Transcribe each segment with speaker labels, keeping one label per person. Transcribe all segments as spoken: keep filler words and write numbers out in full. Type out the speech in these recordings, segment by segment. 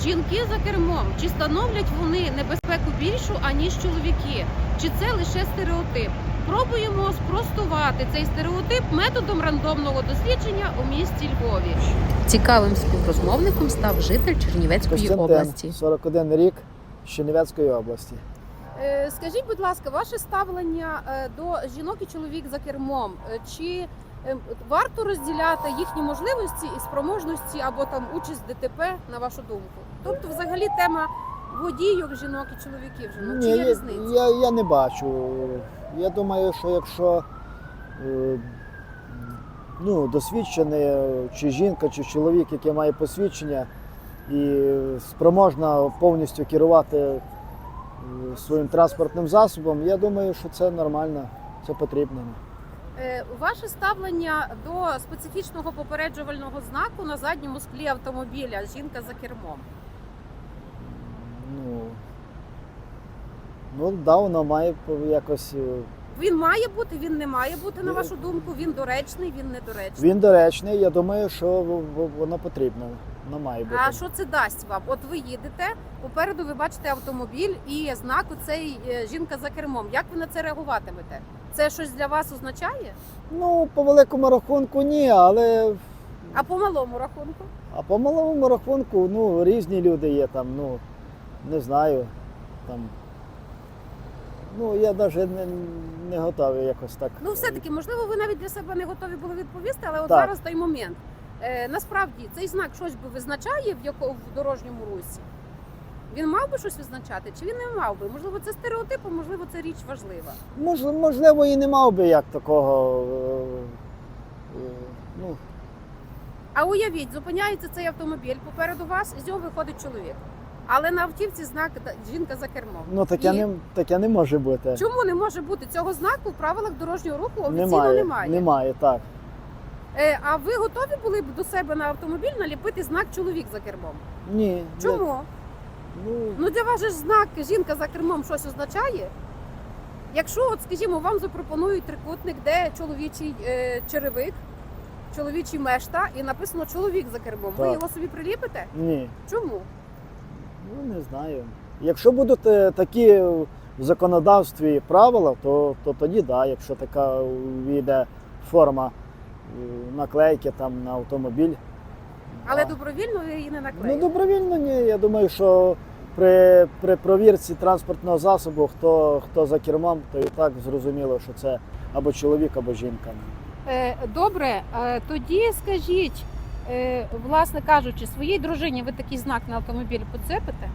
Speaker 1: Жінки за кермом, чи становлять вони небезпеку більшу, аніж чоловіки? Чи це лише стереотип? Пробуємо спростувати цей стереотип методом рандомного дослідження у місті Львові.
Speaker 2: Цікавим співрозмовником став житель Чернівецької
Speaker 3: Костянтин,
Speaker 2: області.
Speaker 3: сорок один рік, з Чернівецької області.
Speaker 1: Е, Скажіть, будь ласка, ваше ставлення е, до жінок і чоловік за кермом? Е, Чи е, варто розділяти їхні можливості і спроможності або там участь в ДТП, на вашу думку? Тобто, взагалі, тема водійок жінок і чоловіків жінок, чи
Speaker 3: Ні,
Speaker 1: є
Speaker 3: я,
Speaker 1: різниця?
Speaker 3: я, я не бачу. Я думаю, що якщо е, ну, досвідчений чи жінка, чи чоловік, який має посвідчення і спроможна повністю керувати е, своїм транспортним засобом, я думаю, що це нормально, це потрібно.
Speaker 1: Е, Ваше ставлення до специфічного попереджувального знаку на задньому склі автомобіля «Жінка за кермом».
Speaker 3: Ну, ну да, воно має якось. е,
Speaker 1: Він має бути, він не має бути, на вашу думку? Він доречний, він недоречний?
Speaker 3: Він доречний, я думаю, що в- в- воно потрібно. Воно має бути.
Speaker 1: А що це дасть вам? От ви їдете, попереду ви бачите автомобіль і знак оцей е, «Жінка за кермом». Як ви на це реагуватимете? Це щось для вас означає?
Speaker 3: Ну, по великому рахунку ні, але
Speaker 1: А по малому рахунку?
Speaker 3: а по малому рахунку, ну, різні люди є там, ну, не знаю, там. Ну, я навіть не, не готовий якось так.
Speaker 1: Ну, все-таки, можливо, ви навіть для себе не готові були відповісти, але от
Speaker 3: Так.
Speaker 1: зараз той момент. Е, насправді, цей знак щось би визначає в, яко, в дорожньому русі? Він мав би щось визначати, чи він не мав би? Можливо, це стереотип, а можливо, це річ важлива.
Speaker 3: Мож, можливо, і не мав би як такого. е, е, ну,
Speaker 1: А уявіть, зупиняється цей автомобіль попереду вас, і з нього виходить чоловік. Але на автівці знак та- «Жінка за кермом».
Speaker 3: ну таке,
Speaker 1: І
Speaker 3: не, таке не може бути.
Speaker 1: чому не може бути? Цього знаку в правилах дорожнього руху офіційно
Speaker 3: Немає,
Speaker 1: немає.
Speaker 3: немає, так.
Speaker 1: Е, а ви готові були б до себе на автомобіль наліпити знак «Чоловік за кермом»?
Speaker 3: Ні.
Speaker 1: Чому?
Speaker 3: Я, ну,
Speaker 1: Ну для вас же ж знак «Жінка за кермом» щось означає? Якщо, от, скажімо, вам запропонують трикутник, де чоловічий е, черевик, чоловічий мешта і написано «Чоловік за кермом», ви
Speaker 3: Так.
Speaker 1: його собі приліпите?
Speaker 3: ні.
Speaker 1: Чому?
Speaker 3: Ну, не знаю. Якщо будуть е, такі в законодавстві правила, то, то тоді да, якщо така війде форма е, наклейки там на автомобіль.
Speaker 1: Але
Speaker 3: А,
Speaker 1: добровільно ви її не
Speaker 3: ну,
Speaker 1: наклеїли.
Speaker 3: добровільно ні. Я думаю, що при, при провірці транспортного засобу, хто, хто за кермом, то і так зрозуміло, що це або чоловік, або жінка.
Speaker 1: Е, Добре, е, тоді скажіть, е, власне кажучи, своїй дружині ви такий знак на автомобіль поцепите?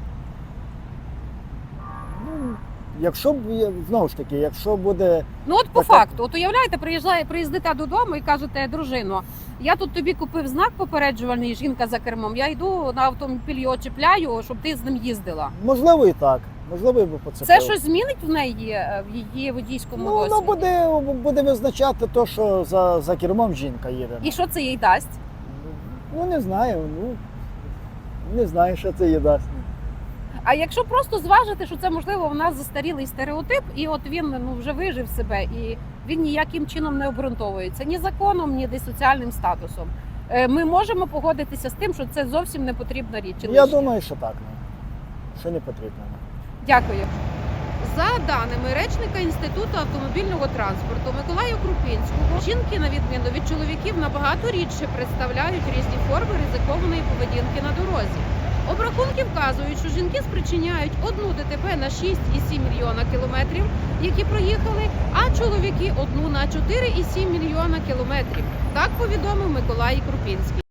Speaker 3: Ну, якщо б є- знову ж таки, якщо буде.
Speaker 1: Ну от по
Speaker 3: Так, так.
Speaker 1: факту, от уявляєте, приїжджає, приїздите додому і кажете, дружино, я тут тобі купив знак попереджувальний «Жінка за кермом», я йду на автомобіль, його чіпляю, щоб ти з ним їздила.
Speaker 3: Можливо, і так. Можливо, і би поцепив.
Speaker 1: Це щось змінить в неї, е, в її водійському
Speaker 3: Ну, воно
Speaker 1: досвіді?
Speaker 3: буде, буде визначати те, що за, за кермом жінка їде.
Speaker 1: І що це їй дасть?
Speaker 3: Ну, не знаю. Ну, не знаю, що це їй дасть.
Speaker 1: А якщо просто зважити, що це, можливо, в нас застарілий стереотип, і от він ну, вже вижив себе, і він ніяким чином не обґрунтовується ні законом, ні десь соціальним статусом. Е, Ми можемо погодитися з тим, що це зовсім не потрібна річ. чи
Speaker 3: Я
Speaker 1: лишня?
Speaker 3: думаю, що так. Ну. Що не потрібно.
Speaker 1: Дякую. За даними речника Інституту автомобільного транспорту Миколая Крупінського, жінки, на відміну від чоловіків, набагато рідше представляють різні форми ризикованої поведінки на дорозі. Обрахунки вказують, що жінки спричиняють одну ДТП на шість і сім мільйона кілометрів, які проїхали, а чоловіки одну на чотири і сім мільйона кілометрів. Так повідомив Миколай Крупінський.